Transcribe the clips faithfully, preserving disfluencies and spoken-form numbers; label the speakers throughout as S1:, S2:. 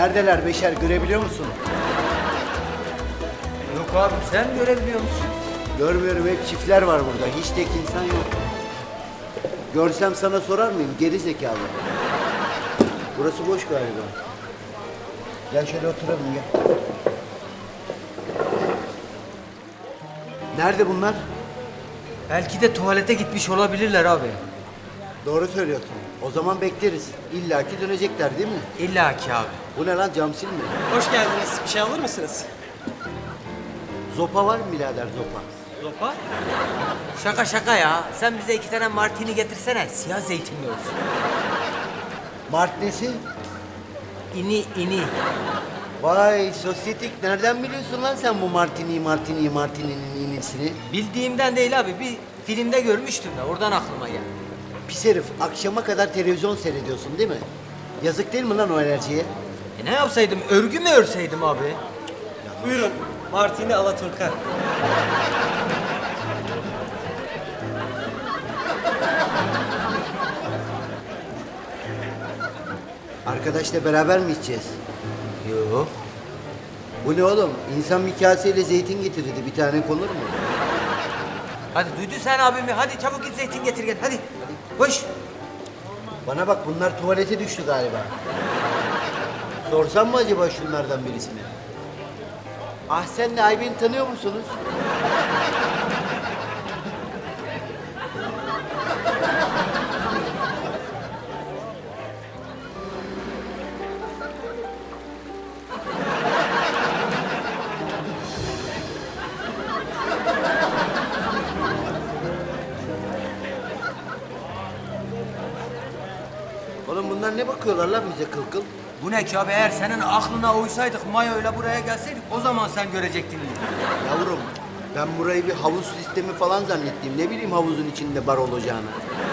S1: Neredeler Beşer, görebiliyor musun?
S2: Yok abi, sen görebiliyor musun?
S1: Görmüyorum, hep çiftler var burada. Hiç tek insan yok. Görsem sana sorar mıyım? Geri zekalı. Burası boş galiba. Gel şöyle oturalım, gel. Nerede bunlar?
S2: Belki de tuvalete gitmiş olabilirler abi.
S1: Doğru söylüyorsun. O zaman bekleriz. İlla ki dönecekler değil mi?
S2: İlla ki abi.
S1: Bu ne lan, cam silme?
S3: Hoş geldiniz. Bir şey alır mısınız?
S1: Zopa var mı birader, zopa?
S3: Zopa?
S2: Şaka şaka ya. Sen bize iki tane martini getirsene. Siyah zeytinli olsun.
S1: Mart nesi?
S2: İni ini.
S1: Vay sosyetik, nereden biliyorsun lan sen bu martini, martini, martininin inisini?
S2: Bildiğimden değil abi. Bir filmde görmüştüm de oradan aklıma geldi.
S1: Pis herif, akşama kadar televizyon seyrediyorsun değil mi? Yazık değil mi lan o enerjiye?
S2: E ne yapsaydım? Örgü mü örseydim abi?
S3: Buyurun. Martini Alaturka.
S1: Arkadaşla beraber mi içeceğiz?
S2: Yok.
S1: Bu ne oğlum? İnsan bir kaseyle zeytin getirirdi, bir tane konur mu?
S2: Hadi duydun sen abimi. Hadi çabuk git zeytin getir gel. Hadi. Koş.
S1: Bana bak, bunlar tuvalete düştü galiba. Sorsam mı acaba şunlardan birisine? Ah, senle Ayben'i tanıyor musunuz? Oğlum bunlar ne bakıyorlar lan bize kıl kıl?
S2: Bu ne ki abi? Eğer senin aklına uysaydık mayoyla buraya gelseydik o zaman sen görecektin.
S1: Yavrum, ben burayı bir havuz sistemi falan zannettim. Ne bileyim havuzun içinde bar olacağını.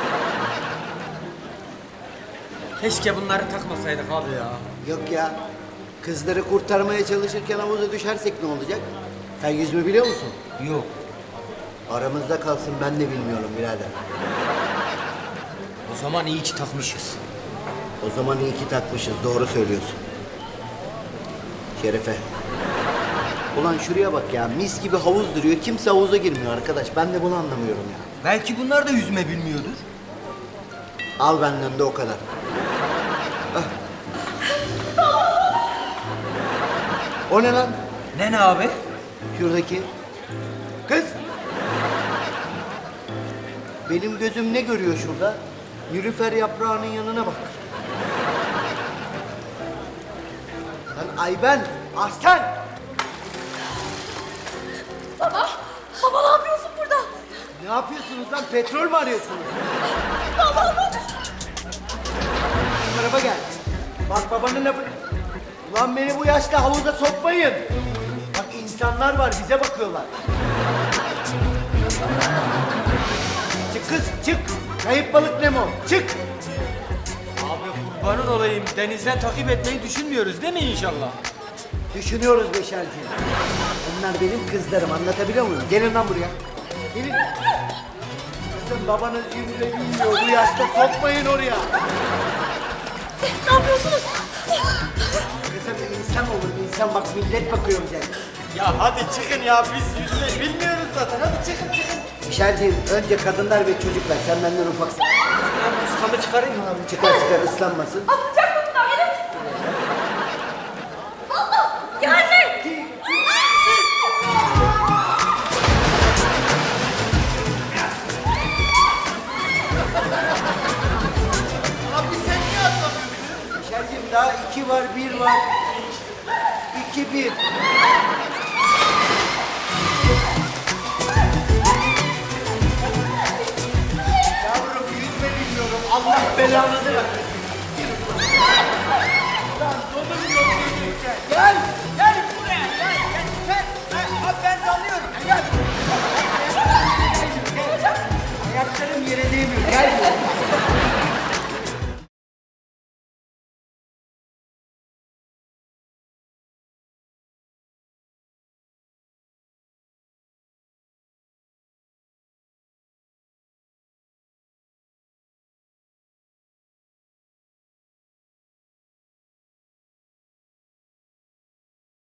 S2: Keşke bunları takmasaydık abi ya.
S1: Yok ya, kızları kurtarmaya çalışırken havuza düşersek ne olacak? Sen yüzme biliyor musun?
S2: Yok.
S1: Aramızda kalsın, ben de bilmiyorum birader.
S2: O zaman iyi ki takmışız.
S1: O zaman iyi ki takmışız, doğru söylüyorsun. Şerefe. Ulan şuraya bak ya, mis gibi havuz duruyor. Kimse havuza girmiyor arkadaş. Ben de bunu anlamıyorum ya.
S2: Belki bunlar da yüzme bilmiyordur.
S1: Al benden de o kadar. Ah. O ne lan?
S2: Ne ne abi?
S1: Şuradaki. Kız! Benim gözüm ne görüyor şurada? Nilüfer yaprağının yanına bak. Lan Ayben, Aslan!
S4: Baba, baba ne yapıyorsun burada?
S1: Ne yapıyorsunuz lan? Petrol mü arıyorsunuz?
S4: Baba, baba.
S1: Bu tarafa gel. Bak babanın lafı... Ulan beni bu yaşta havuza sokmayın. Bak insanlar var, bize bakıyorlar. Çık kız, çık. Kayıp balık Nemo, çık.
S2: Abi kurbanın olayım. Denizden takip etmeyi düşünmüyoruz değil mi inşallah?
S1: Düşünüyoruz Beşerciğim. Bunlar benim kızlarım, anlatabiliyor muyum? Gelin lan buraya. Gelin. Kızım babanız yüzüne bilmiyor, bu yaşta sokmayın oraya.
S4: Ne yapıyorsunuz?
S1: Kızım insan olur, insan bak millet bakıyor bize.
S3: Ya hadi çıkın ya. Biz yüzme bilmiyoruz zaten. Hadi çıkın çıkın.
S1: Beşerciğim, önce kadınlar ve çocuklar, sen benden ufaksın.
S2: Ben ustamı çıkarayım mı abi?
S1: Çıkar çıkar, ıslanmasın.
S4: Atlayacak mı bunlar? Evet. Allah! Geldi!
S1: Abi sen niye atlamıyorsun? Beşerciğim daha iki var, bir var. İki, bir. Yavrum yüzme bilmiyorum. Allah belanızı versin. Lan dolu bir yol geçeceksin. Gel.